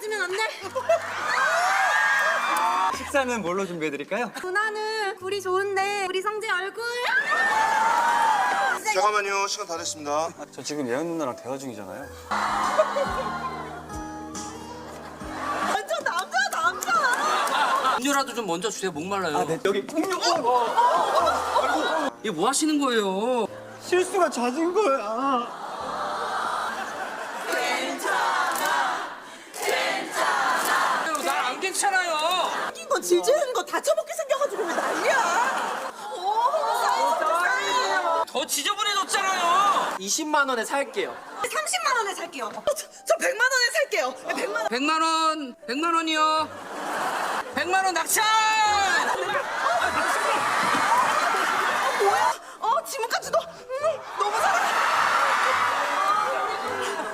빠지면 안 돼. 식사는 뭘로 준비해드릴까요? 누나는 굴이 좋은데 우리 성재 얼굴. 잠깐만요. 시간 다 됐습니다. 저 지금 예은 누나랑 대화 중이잖아요. 완전 남자. 음료라도 좀 먼저 주세요. 목말라요. 아, 네. 여기 음료. 이게 뭐 하시는 거예요? 실수가 잦은 거야. 난 안 괜찮아요. 생긴 건 질질하는 거 다쳐먹게 생겨가지고 왜 난리야. 더 지저분해졌잖아요. 20만 원에 살게요. 30만 원에 살게요. 저 100만 원에 살게요. 100만 원. 100만 원, 100만 원이요. 100만 원 낙찰!